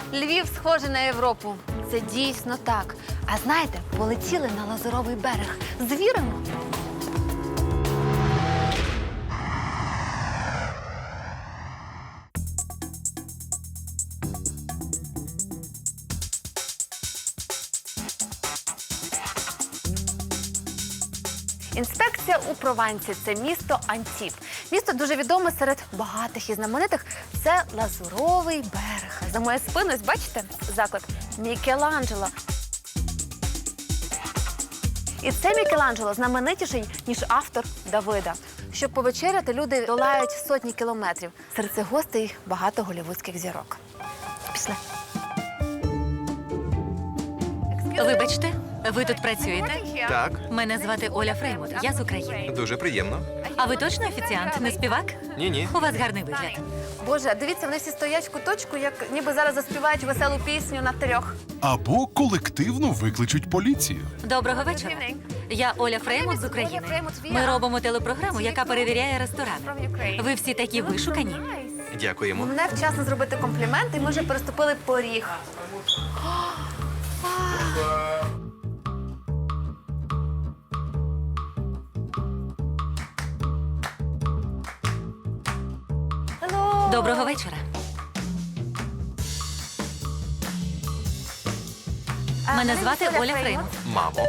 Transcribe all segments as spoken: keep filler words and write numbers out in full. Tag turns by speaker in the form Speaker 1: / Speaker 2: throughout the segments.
Speaker 1: Львів схожий на Європу. Це дійсно так. А знаєте, полетіли на Лазуровий берег. Звіримо? Інспекція у Провансі – це місто Антіб. Місто дуже відоме серед багатих і знаменитих. Це Лазуровий берег. За моєю спиною, ось бачите, заклад Мікеланджело. І це Мікеланджело знаменитіший, ніж автор Давида. Щоб повечеряти, люди долають сотні кілометрів. Серед цих гостей багато голлівудських зірок. Пішли.
Speaker 2: Вибачте, ви тут працюєте?
Speaker 3: Так,
Speaker 2: Мене звати Оля Фреймут, я з України.
Speaker 3: дуже приємно.
Speaker 2: А ви точно офіціант, не співак?
Speaker 3: Ні-ні.
Speaker 2: У вас гарний вигляд.
Speaker 1: Боже, дивіться, вони всі стоять в куточку, як ніби зараз заспівають веселу пісню на трьох.
Speaker 4: Або колективно викличуть поліцію.
Speaker 2: Доброго вечора. Я Оля Фреймут з України. Ми робимо телепрограму, яка перевіряє ресторани. Ви всі такі вишукані.
Speaker 3: Дякуємо.
Speaker 1: Мене вчасно зробити комплімент, і ми вже переступили поріг. Hello.
Speaker 2: Доброго вечора. Мене звати Оля Фреймут.
Speaker 3: Мамо.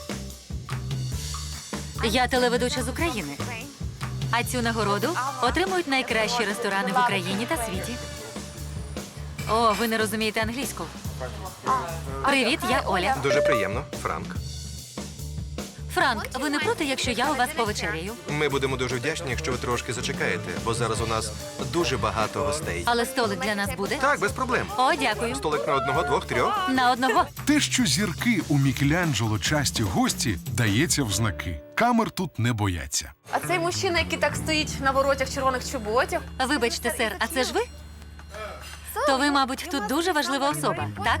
Speaker 2: Я телеведуча з України. А цю нагороду отримують найкращі ресторани в Україні та світі. О, ви не розумієте англійську. Привіт, я Оля.
Speaker 3: Дуже приємно, Франк.
Speaker 2: Франк, ви не проти, якщо я у вас повечеряю?
Speaker 3: Ми будемо дуже вдячні, якщо ви трошки зачекаєте, бо зараз у нас дуже багато гостей.
Speaker 2: Але столик для нас буде?
Speaker 3: Так, без проблем.
Speaker 2: О, дякую.
Speaker 3: Столик на одного, двох, трьох.
Speaker 2: На одного.
Speaker 4: Те, що зірки у Мікеланджело часті гості, дається в знаки. Камер тут не бояться.
Speaker 1: А цей мужчина, який так стоїть на воротях червоних чоботях.
Speaker 2: Вибачте, сер, а це ж ви? То ви, мабуть, тут дуже важлива особа, так?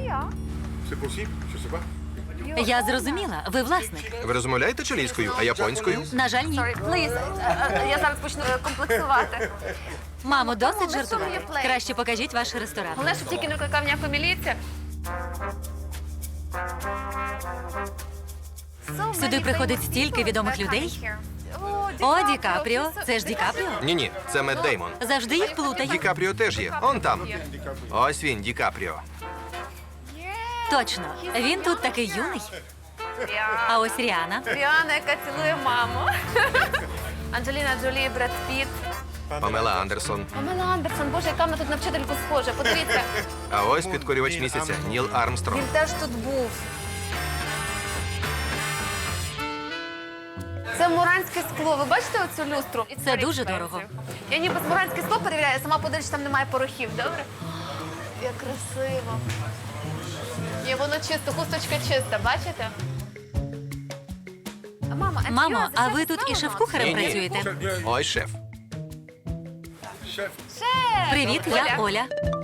Speaker 2: Я зрозуміла, ви власник.
Speaker 3: Ви розмовляєте чилійською, а японською?
Speaker 2: На жаль, ні.
Speaker 1: Sorry, please. Е, е, Я зараз почну е, комплексувати.
Speaker 2: Мамо, досить жартувати. Краще покажіть ваш ресторан.
Speaker 1: Головне, щоб тільки не викликав ніяку міліцію.
Speaker 2: Сюди приходить стільки відомих людей. О, Ді Капріо. Це ж Ді Капріо?
Speaker 3: Ні-ні, це Мет Деймон.
Speaker 2: Завжди їх
Speaker 3: Ді
Speaker 2: плутаю.
Speaker 3: Капріо теж є. Он там. Ось він, Ді Капріо.
Speaker 2: Точно. Він тут такий юний. А ось Ріана.
Speaker 1: Ріана, яка цілує маму. Анджеліна Джолі, Бред Піт.
Speaker 3: Памела Андерсон.
Speaker 1: Памела Андерсон, боже, яка вона тут на вчительку схожа. Подивіться,
Speaker 3: А ось підкорювач місяця Ніл Армстронг.
Speaker 1: він теж тут був. Це муранське скло. Ви бачите оцю люстру?
Speaker 2: Це дуже дорого.
Speaker 1: Я ніби з муранське скло перевіряю, сама подивлюсь, там немає порохів, добре? Як красиво. Ні, воно чисто, хусточка чиста, бачите? А, Мама, and
Speaker 2: Мамо,
Speaker 1: yours,
Speaker 2: а
Speaker 1: це
Speaker 2: ви тут і
Speaker 1: сама.
Speaker 2: шеф-кухарем
Speaker 3: Ні-ні.
Speaker 2: працюєте?
Speaker 3: Ось шеф.
Speaker 1: Шеф!
Speaker 2: Привіт, я Оля.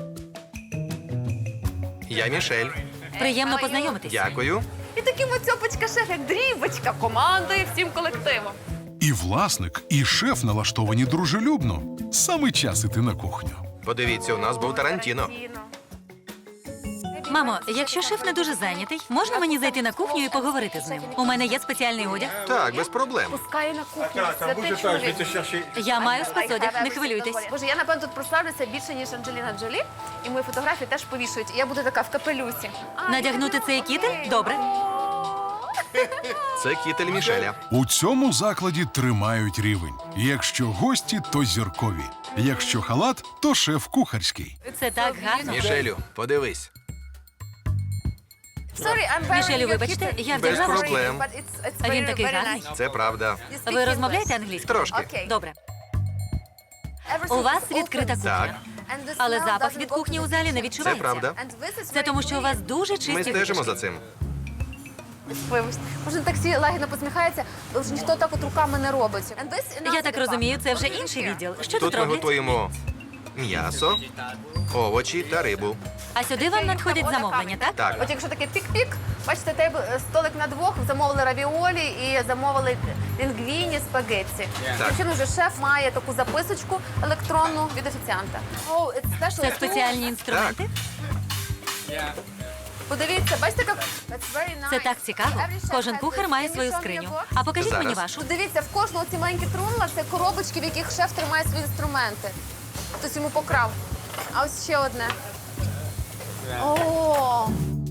Speaker 3: Я Мішель.
Speaker 2: Приємно познайомитись.
Speaker 3: Дякую.
Speaker 1: І такий моцьопочка шеф, як дрібочка, командує всім колективом.
Speaker 4: І власник, і шеф налаштовані дружелюбно. Саме час іти на кухню.
Speaker 3: Подивіться, у нас був Тарантіно.
Speaker 2: Мамо, якщо шеф не дуже зайнятий, можна мені зайти на кухню і поговорити з ним? У мене є спеціальний одяг.
Speaker 3: Так, без проблем.
Speaker 1: Пускає на кухню, святий чоловік.
Speaker 2: Я маю спецодяг, не хвилюйтесь.
Speaker 1: Боже, я, напевно, тут прославлюся більше, ніж Анджеліна Джолі, і мої фотографії теж повішують. І я буду така в капелюсі.
Speaker 2: Надягнути цей кітель? Добре.
Speaker 3: Це кітель Мішеля.
Speaker 4: У цьому закладі тримають рівень. Якщо гості, то зіркові. Якщо халат, то шеф кухарський.
Speaker 2: Це так гарно.
Speaker 3: Мішелю, подивись.
Speaker 1: Sorry, I'm very
Speaker 2: Мішелю,
Speaker 1: your
Speaker 2: вибачте,
Speaker 1: kitten.
Speaker 2: я
Speaker 3: Без
Speaker 2: вдягла.
Speaker 3: проблем.
Speaker 1: But it's- it's
Speaker 2: А він
Speaker 1: very,
Speaker 2: такий
Speaker 1: very
Speaker 2: гарний.
Speaker 1: nice.
Speaker 3: Це правда.
Speaker 1: You speak
Speaker 2: Ви
Speaker 1: English.
Speaker 2: розмовляєте англійською?
Speaker 3: Трошки.
Speaker 1: Окей.
Speaker 2: Добре.
Speaker 1: Everything
Speaker 2: У вас
Speaker 1: is
Speaker 2: відкрита
Speaker 1: open.
Speaker 2: кухня.
Speaker 3: Так.
Speaker 1: And the
Speaker 2: Але
Speaker 1: smell
Speaker 2: запах
Speaker 1: doesn't
Speaker 2: від
Speaker 1: go
Speaker 2: кухні
Speaker 1: to
Speaker 2: у
Speaker 1: the
Speaker 2: залі не
Speaker 1: kitchen.
Speaker 2: відчувається.
Speaker 3: Це правда.
Speaker 1: And this is
Speaker 2: Це
Speaker 1: very
Speaker 2: тому, що у вас
Speaker 1: clean.
Speaker 2: дуже чисті
Speaker 3: Ми стежимо
Speaker 2: витяжки.
Speaker 3: за цим.
Speaker 1: Вибачте. Може, так всі лагідно посміхаються, але ж ніхто так от руками не робить. And this-
Speaker 2: Я так розумію, це вже інший відділ. Що тут
Speaker 3: Тут ми
Speaker 2: роблять?
Speaker 3: готуємо м'ясо, овочі та рибу.
Speaker 2: А сюди вам надходять замовлення, так?
Speaker 3: Так.
Speaker 1: От якщо таке пік-пік, бачите, тейбл, столик на двох, замовили равіолі і замовили лінгвіні, спагетті.
Speaker 3: Так.
Speaker 1: Причому вже шеф має таку записочку електронну від офіціанта. Oh, it's special
Speaker 2: Це
Speaker 1: too.
Speaker 2: спеціальні інструменти?
Speaker 1: Подивіться, бачите, як...
Speaker 2: Це так цікаво. Кожен кухар має свою скриню. А покажіть
Speaker 3: Зараз.
Speaker 2: мені вашу.
Speaker 1: Дивіться, в кожного ці маленькі трунла – це коробочки, в яких шеф тримає свої інструменти. Хтось йому покрав. А ось ще одне. О!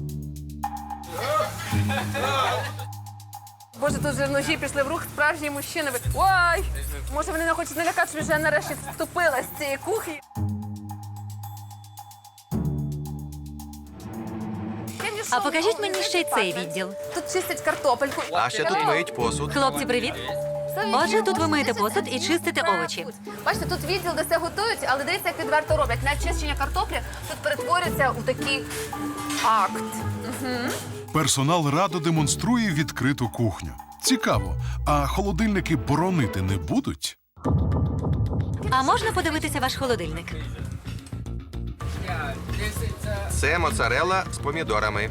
Speaker 1: Боже, тут вже ножі пішли в рух, справжні мужчини. Ой! Може, вони не хочуть налякати, що вже нарешті вступила з цієї кухні.
Speaker 2: А покажіть мені ще й цей відділ.
Speaker 1: Тут чистять картопельку.
Speaker 3: А ще тут миють посуд.
Speaker 2: Хлопці, привіт. Отже, тут ви миєте посуд і чистите овочі.
Speaker 1: Бачите, тут відділ, де все готують, але дивіться, як відверто роблять. Навіть чищення картоплі тут перетворюється у такий акт.
Speaker 4: Персонал радо демонструє відкриту кухню. Цікаво, а холодильники боронити не будуть?
Speaker 2: А можна подивитися ваш холодильник?
Speaker 3: Це моцарелла з помідорами.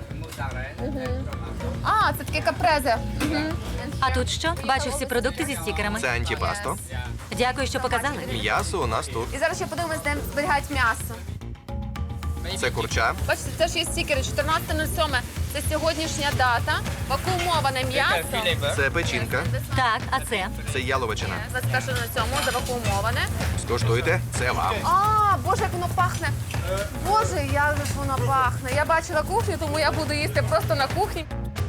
Speaker 1: А, це такі капрези.
Speaker 2: А тут що? Бачу всі продукти зі стікерами.
Speaker 3: Це антіпасто.
Speaker 2: Дякую, що показали.
Speaker 3: М'ясо у нас тут.
Speaker 1: І зараз ще подивимось, де зберігають м'ясо.
Speaker 3: Це курча.
Speaker 1: Бачите, це ж є стікери. чотирнадцяте нуль сьоме. Це сьогоднішня дата. Вакуумоване м'ясо.
Speaker 3: Це печінка.
Speaker 2: Так, а це?
Speaker 3: Це яловичина.
Speaker 1: двадцять перше нуль сьоме завакуумоване.
Speaker 3: Скуштуйте, це вам.
Speaker 1: А, Боже, як воно пахне. Боже, як же ж воно пахне. Я бачила кухню, тому я буду їсти просто на кухні.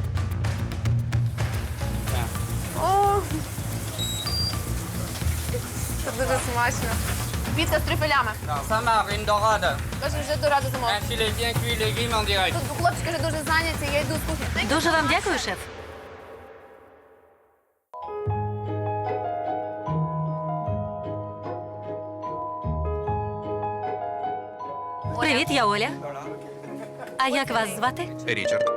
Speaker 1: О, це дуже смачно. Піца з трюфелями.
Speaker 5: Ça marine dorade.
Speaker 1: Каже, вже до раду замовив.
Speaker 5: Un filet bien cuit, légumes en direct.
Speaker 1: Тут хлопчики вже дуже зайняті, я йду з кухні.
Speaker 2: Дуже вам дякую, шеф. Привіт, я Оля. А як вас звати?
Speaker 3: Річард.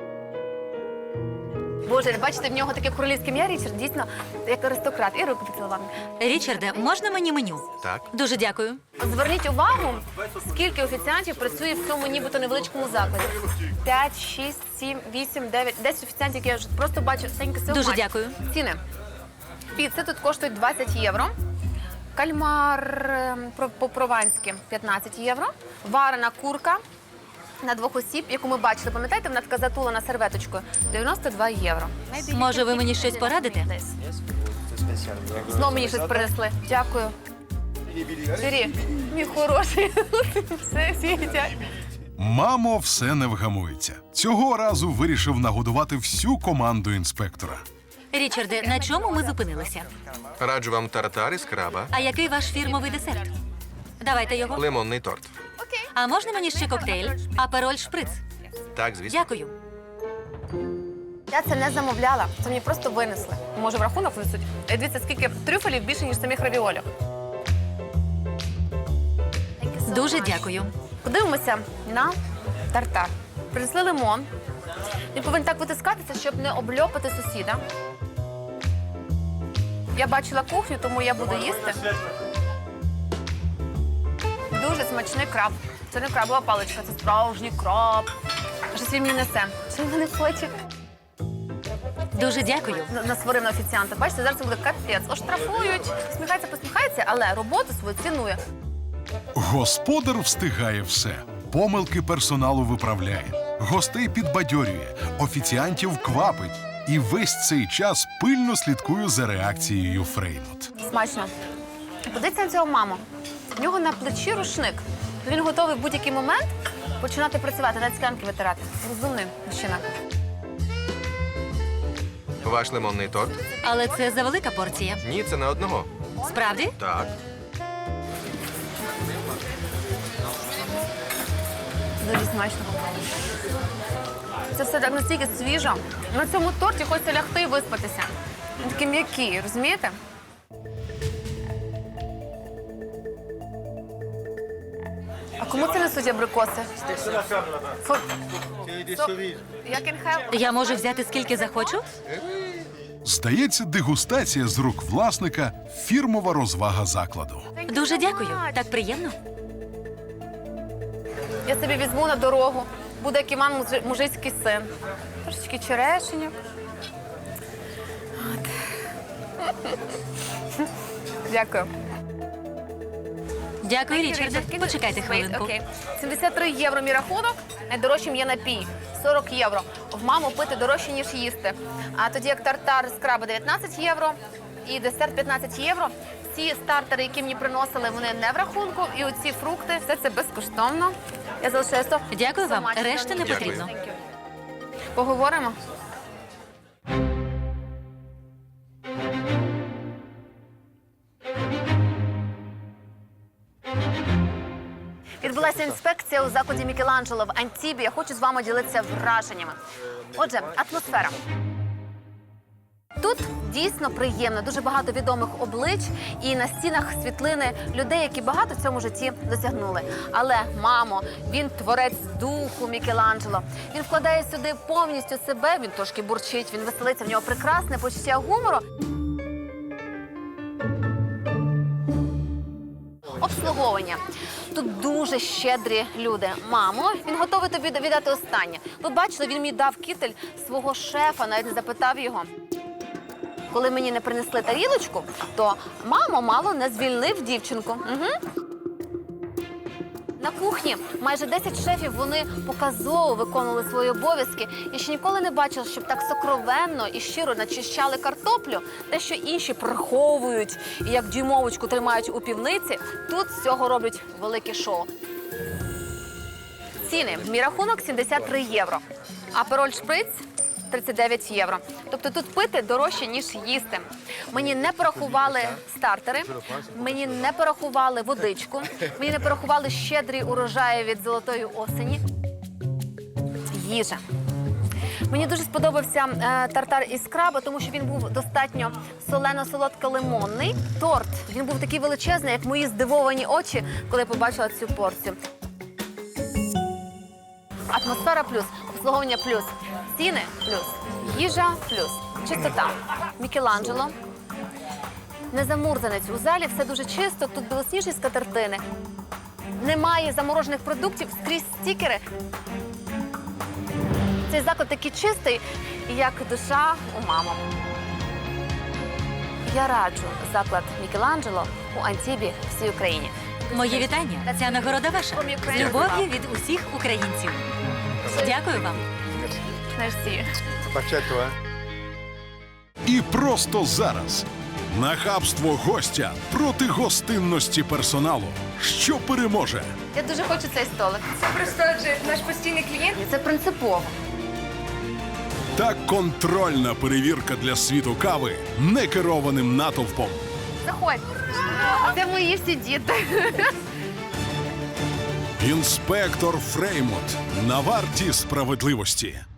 Speaker 1: Боже, бачите, в нього таке королівське ім'я, Річард, дійсно, як аристократ. І руку поцілував.
Speaker 2: Річарде, можна мені меню?
Speaker 3: Так.
Speaker 2: Дуже дякую.
Speaker 1: Зверніть увагу, скільки офіціантів працює в цьому нібито невеличкому закладі. П'ять, шість, сім, вісім, дев'ять, десять офіціантів, які я вже просто бачу. Thank you so
Speaker 2: Дуже
Speaker 1: much.
Speaker 2: дякую.
Speaker 1: Ціни. Піци тут коштують двадцять євро. Кальмар ем, про- по-прованськи п'ятнадцять євро. Варена курка на двох осіб, яку ми бачили, пам'ятаєте, вона така затулена серветочкою, дев'яносто два євро.
Speaker 2: Може, ви мені щось порадите?
Speaker 1: Знову мені щось принесли. Дякую. Сирі, мій хороший. Все світять.
Speaker 4: Мамо все не вгамується. Цього разу вирішив нагодувати всю команду інспектора.
Speaker 2: Річарде, на чому ми зупинилися?
Speaker 3: Раджу вам тартар із краба.
Speaker 2: А який ваш фірмовий десерт? Давайте його.
Speaker 3: Лимонний торт.
Speaker 2: А можна мені ще коктейль? Апероль шприц.
Speaker 3: Так, звісно.
Speaker 2: Дякую.
Speaker 1: Я це не замовляла, це мені просто винесли. Може, в рахунок внесуть? І дивіться, скільки трюфелів більше, ніж самих равіолів.
Speaker 2: Дуже дякую.
Speaker 1: Подивимося на тартар. Принесли лимон. Він повинен так витискатися, щоб не обльопати сусіда. Я бачила кухню, тому я буду їсти. Дуже смачний краб. Це не крабова паличка, це справжній краб. Щось він мені несе. Що він мене хоче?
Speaker 2: Дуже дякую.
Speaker 1: На- Насварив на офіціанта. Бачите, зараз це буде капець. Оштрафують. Сміхається, посміхається, але роботу свою цінує.
Speaker 4: Господар встигає все. Помилки персоналу виправляє, гостей підбадьорює, офіціантів квапить. І весь цей час пильно слідкую за реакцією Фреймут.
Speaker 1: Смачно. Подивіться на цього маму. В нього на плечі рушник. Він готовий в будь-який момент починати працювати, навіть склянки витирати. Розумний мужчина.
Speaker 3: Ваш лимонний торт?
Speaker 2: Але це завелика порція.
Speaker 3: Ні, це не одного.
Speaker 2: Справді?
Speaker 3: Так.
Speaker 1: Дуже смачно. Це все так настільки свіжо. На цьому торті хочеться лягти і виспатися. Він такий м'який, розумієте? А кому це несуть абрикоси? Фу. So, я can have...
Speaker 2: Я можу взяти скільки захочу?
Speaker 4: Здається, дегустація з рук власника – фірмова розвага закладу.
Speaker 2: Дуже дякую. Так приємно.
Speaker 1: Я собі візьму на дорогу. Буде як Іван мужи- мужицький син. Трошечки черешеньок. От. Дякую.
Speaker 2: Дякую, Річарде. Почекайте хвилинку.
Speaker 1: Окей. сімдесят три євро мій рахунок, найдорожчим є напій. сорок євро. В маму пити дорожче, ніж їсти. А тоді як тартар з краба дев'ятнадцять євро і десерт п'ятнадцять євро. Ці стартери, які мені приносили, вони не в рахунку. І оці фрукти, все це безкоштовно. Я залишаю сто.
Speaker 2: Дякую вам.
Speaker 1: So much.
Speaker 2: Решти не
Speaker 3: Дякую.
Speaker 2: потрібно.
Speaker 1: Thank you. Поговоримо. Відбулася інспекція у закладі Мікеланджело в Антібі. Я хочу з вами ділитися враженнями. Отже, атмосфера. Тут дійсно приємно, дуже багато відомих облич і на стінах світлини людей, які багато в цьому житті досягнули. Але, мамо, він творець духу Мікеланджело. Він вкладає сюди повністю себе, він трошки бурчить, він веселиться, в нього прекрасне почуття гумору. Обслуговування. Тут дуже щедрі люди. Мамо, він готовий тобі віддати останнє. Ви бачили, він мені дав кітель свого шефа, навіть не запитав його. Коли мені не принесли тарілочку, то мамо мало не звільнив дівчинку. Угу. На кухні майже десять шефів, вони показово виконували свої обов'язки. Я ще ніколи не бачила, щоб так сокровенно і щиро начищали картоплю. Те, що інші приховують і як дюймовочку тримають у півниці, тут з цього роблять велике шоу. Ціни. Мій рахунок сімдесят три євро. Апероль шприц тридцять дев'ять євро. Тобто тут пити дорожче, ніж їсти. Мені не порахували стартери, мені не порахували водичку, мені не порахували щедрі урожаї від золотої осені. Їжа. Мені дуже сподобався е, тартар із краба, тому що він був достатньо солено-солодко-лимонний. Торт, він був такий величезний, як мої здивовані очі, коли я побачила цю порцію. Атмосфера плюс, обслуговування плюс, ціни плюс, їжа плюс, чистота. Мікеланджело. Незамурзанець. У залі все дуже чисто, тут білосніжні скатертини. Немає заморожених продуктів, скрізь стікери. Цей заклад такий чистий, як душа у маму. Я раджу заклад Мікеланджело у Антібі всій Україні.
Speaker 2: Мої вітання. Ця нагорода ваша. З любов'ю від усіх українців. Дякую вам.
Speaker 1: Мерсі.
Speaker 4: І просто зараз нахабство гостя проти гостинності персоналу. Що переможе?
Speaker 1: Я дуже хочу цей столик.
Speaker 6: Це просто адже наш постійний клієнт.
Speaker 1: Це принципово.
Speaker 4: Та контрольна перевірка для світу кави некерованим натовпом.
Speaker 1: Заходь. Це мої всі діти.
Speaker 4: Інспектор Фреймут на варті справедливості.